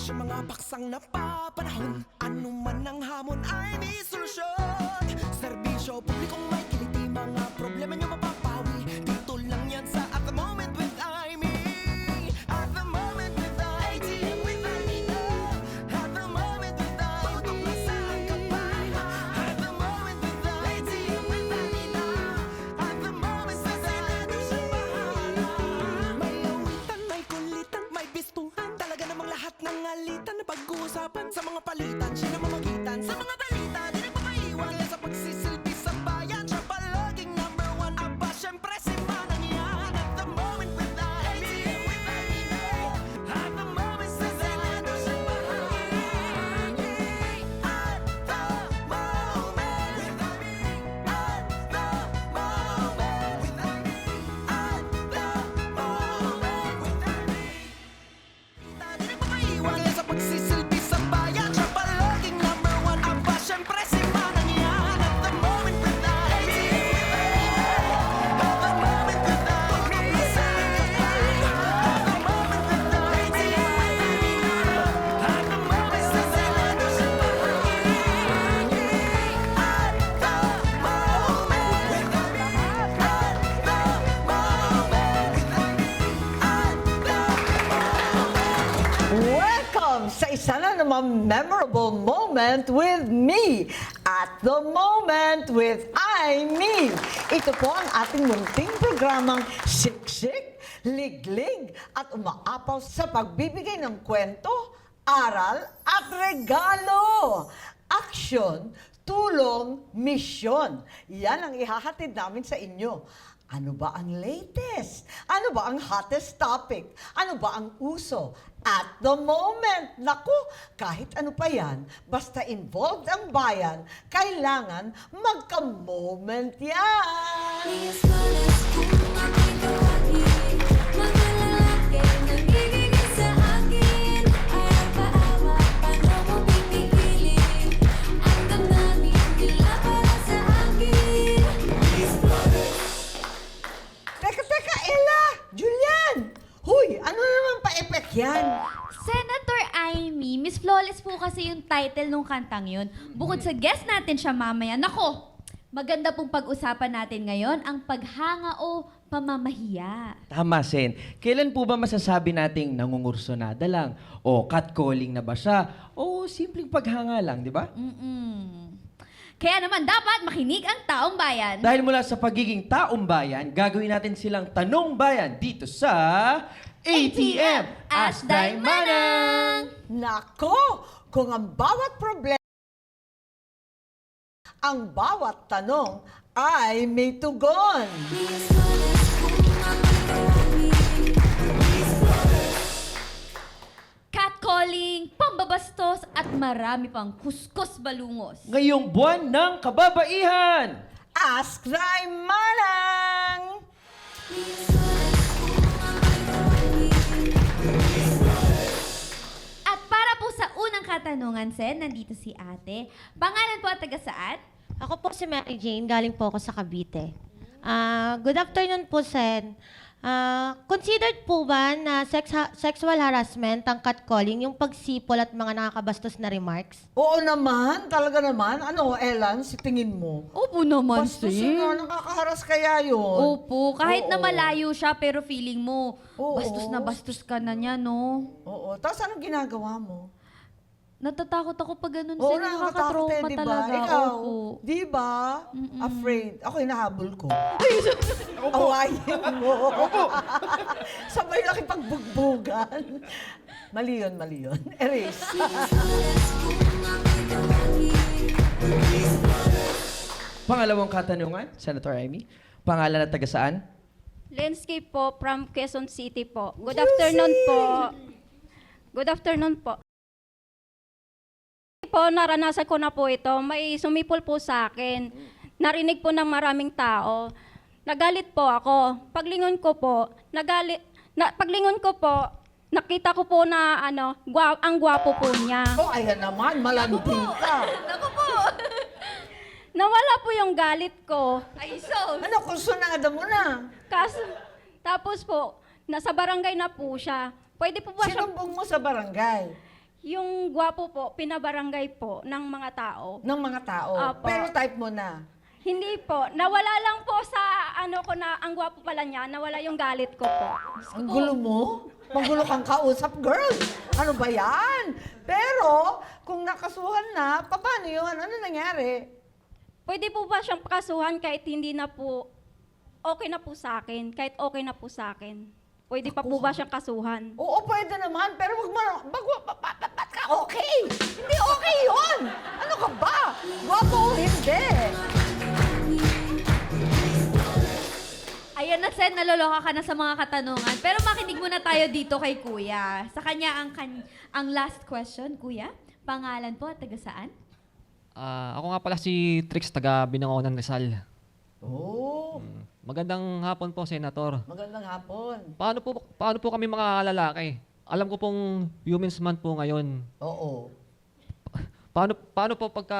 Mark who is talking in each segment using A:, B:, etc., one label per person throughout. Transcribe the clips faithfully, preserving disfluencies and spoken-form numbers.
A: Sa mga paksang napapanahon, ano man ang hamon ay may solusyon. Serbisyo publikong may kiliti, mga problema nyo mapapawi. Dito lang yan sa At The Moment with Aimee. At The Moment with Aimee. With Aimee na. At The Moment with Aimee. Tutok na sa kabahan. At The Moment with Aimee. With Aimee na. At The Moment sa senado siya bahala. May awitan, may kulitan, may bistuhan. Talaga namang lahat ng alitan na pag-uusapan. Sa mga palitan, siya na mamagitan. Sa mga balita, di nagpapaiwan. Kaya sa pagsisilbi sa bayan, siya palaging number one. Aba, syempre si Manang yan. At The Moment with Aimee. With Aimee na. At The Moment sa senado siya bahala. At The Moment with Aimee. At The Moment with Aimee. At The Moment with Aimee. Di nagpapaiwan. Kaya sa pagsisilbi sa bayan, siya palaging number one. Aba, syempre si Manang yan. At The Moment with Aimee. At The Moment with Aimee. At The Moment with Aimee. At The Moment sa senado siya bahala. At The Moment with Aimee. At The Moment with Aimee. At The
B: Welcome sa isa na naman memorable moment with me at the moment with Aimee. Ito po ang ating munting programang siksik, liglig at umaapaw sa pagbibigay ng kwento, aral at regalo. Aksyon, tulong, misyon. Yan ang ihahatid namin sa inyo. Ano ba ang latest? Ano ba ang hottest topic? Ano ba ang uso? At the moment, naku, kahit ano pa yan, basta involved ang bayan, kailangan magka-moment yan.
C: Please malas kung ako'y tawagin. Mga lalaki nangigigil sa akin. Ayaw paawa, paano mo pinipili? Ang damdamin nila para sa akin.
B: Teka, teka, Ella! Julian! Huy, ano naman pa-epek yan?
D: Senator Aimee, Miss Flawless po kasi yung title nung kantang yun. Bukod sa guest natin siya mamaya, nako, maganda pong pag-usapan natin ngayon ang paghanga o pamamahiya.
E: Tama, Sen. Kailan po ba masasabi nating nangungursonada lang? O catcalling na ba siya? O simpleng paghanga lang, di ba?
D: Mm-mm. Kaya naman dapat makinig ang taong bayan.
E: Dahil mula sa pagiging taong bayan, gagawin natin silang tanong bayan dito sa A T M Ask Thy Manang!
B: Nako, kung ang bawat problema, ang bawat tanong ay may tugon.
C: Please malas kung ako'y tawagin.
D: Catcalling, pambabastos at marami pang kuskus balungos.
E: Ngayong buwan ng kababaihan!
B: Ask Thy Manang!
C: Please malas kung ako'y tawagin.
D: At para po sa unang katanungan, Sen, nandito si ate. Pangalan po at taga saan?
F: Ako po si Mary Jane, galing po ako sa Cavite. Ah, good afternoon po, Sen. Ah, considered po ba na sex ha- sexual harassment ang catcalling, yung pagsipol at mga nakakabastos na remarks?
B: Oo naman, talaga naman. Ano, Elan, si tingin mo?
D: Opo naman,
B: Bastos na, nakakaharas kaya yun.
D: Opo, kahit na
B: Oo.
D: malayo siya pero feeling mo,
B: Oo.
D: bastos na bastos ka na niya, no?
B: Oo, tapos anong ginagawa mo?
D: Natatakot ako pag ganun,
B: Oo,
D: Sen.
B: nakakatakot
D: Nakakatrauma
B: eh, di ba?
D: talaga.
B: Ikaw,
D: Opo.
B: di ba?
D: Mm-mm.
B: Afraid. Ako hinahabol ko. Awayin mo. Sabay laki pagbugbugan. Mali yun, mali yun. Erase.
E: Pangalawang katanungan, Senator Aimee. Pangalan at taga saan?
G: Landscape po from Quezon City po. Good afternoon po. Good afternoon po. Po, naranasan ko na po ito. May sumipol po sa akin. Narinig po ng maraming tao. Nagalit po ako. Paglingon ko po, nagalit, na, paglingon ko po, nakita ko po na ano, gwa, ang gwapo po niya.
B: Oh, ayan naman, malambing ka.
D: Naku po!
G: Nawala po yung galit ko.
D: Ay, so,
B: Ano, kursunada mo na.
G: Kaso, tapos po, nasa barangay na po siya. Pwede po ba siya,
B: Sinumbong mo sa barangay.
G: Yung gwapo po, pinabarangay po ng mga tao.
B: Ng mga tao.
G: Apo.
B: Pero type mo na.
G: Hindi po. Nawala lang po sa ano ko na ang gwapo pala niya. Nawala yung galit ko po.
B: Ang gulo mo? Magulo kang kausap, girl. Ano ba yan? Pero, kung nakasuhan na, paano yun? Ano nangyari?
G: Pwede po ba siyang pakasuhan kahit hindi na po okay na po sa akin? Kahit okay na po sa akin? Pwede pa po ba siyang kasuhan?
B: Oo, pwede naman. Pero wag mo, bag, ba, ba, ba, ba't ka okay? Hindi okay yun. Ano ka ba? Gwapo o hindi?
D: Ayan na, Sen, naloloka ka na sa mga katanungan. Pero makinig muna tayo dito kay Kuya. Sa kanya ang, kan- ang last question, Kuya. Pangalan po at taga saan?
H: Ah, ako nga pala si Trix, taga Binangonan, Rizal.
B: Oo,
H: Magandang hapon po, Senator.
B: magandang hapon.
H: Paano po paano po kami mga lalaki? Alam ko pong Women's Month po ngayon.
B: Oo.
H: Paano paano po pagka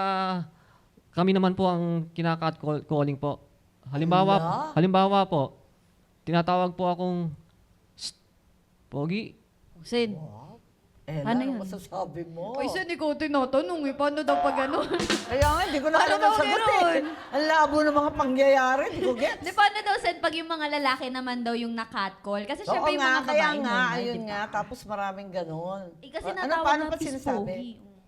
H: kami naman po ang kinakat call- calling po? Halimbawa,
B: Ala?
H: halimbawa po, tinatawag po akong "Shh, Pogi."
D: Sen.
B: Eh,
D: Ano
B: ano,
D: yun?
B: masasabi mo?
D: Uy, Sen, ikaw tinatanong eh. Paano daw pag gano'n?
B: Kaya nga, hindi ko na
D: Paano
B: alam
D: daw
B: ang sagot
D: meron?
B: eh. Ang labo ng mga pangyayari, hindi ko gets.
D: Di paano daw, Sen, pag yung mga lalaki naman daw yung na-catcall? Kasi
B: Oo
D: syempre yung
B: nga,
D: mga
B: kaya
D: babae
B: nga,
D: normal,
B: ayun
D: di ba?
B: nga, tapos maraming ganon.
D: Eh, kasi
B: ano,
D: natawag
B: paano
D: na
B: pa sinasabi?
D: pispogi.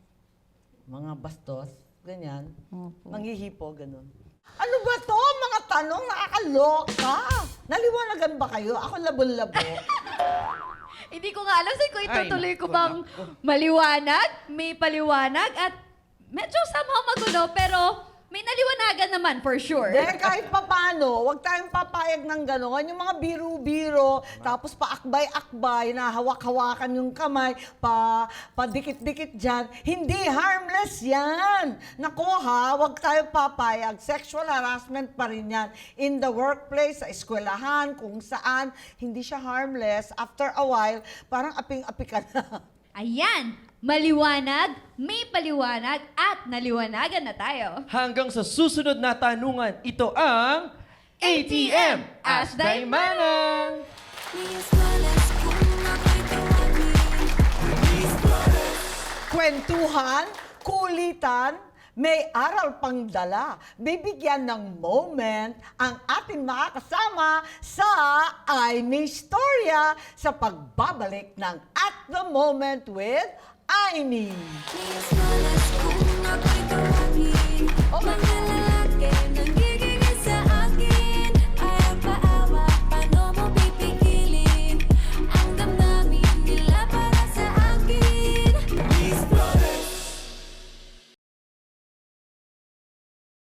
B: Mga bastos, ganyan.
D: Opo.
B: Manghihipo, ganon. Ano ba to? Mga tanong nakakaloka. Naliwanagan ba kayo? Ako labo-labo.
D: Hindi ko nga alam, Sen, kung itutuloy
E: Ay,
D: ko
E: naku,
D: bang maliwanag, may paliwanag, at medyo somehow magulo, pero may naliwanagan naman for sure.
B: Dahil kahit papano, huwag tayong papayag ng gano'n. Yung mga biro-biro, tapos paakbay-akbay, na hawak-hawakan yung kamay, pa, padikit-dikit dyan. Hindi, harmless yan. Nako ha, huwag tayong papayag. Sexual harassment pa rin yan. In the workplace, sa eskwelahan, kung saan, hindi siya harmless. After a while, parang aping-api ka na.
D: Ayan, maliwanag, may paliwanag, at naliwanagan na tayo.
E: Hanggang sa susunod na tanungan, ito ang A T M Ask Daimanang!
C: Please malas kung ako'y tawagin. Please malas.
B: Kwentuhan, kulitan, may aral pang dala. Bibigyan ng moment ang ating mga kasama sa I Me Storya sa pagbabalik ng At the Moment with I Me.
C: Please malas kung ako'y tawagin.
B: Oh my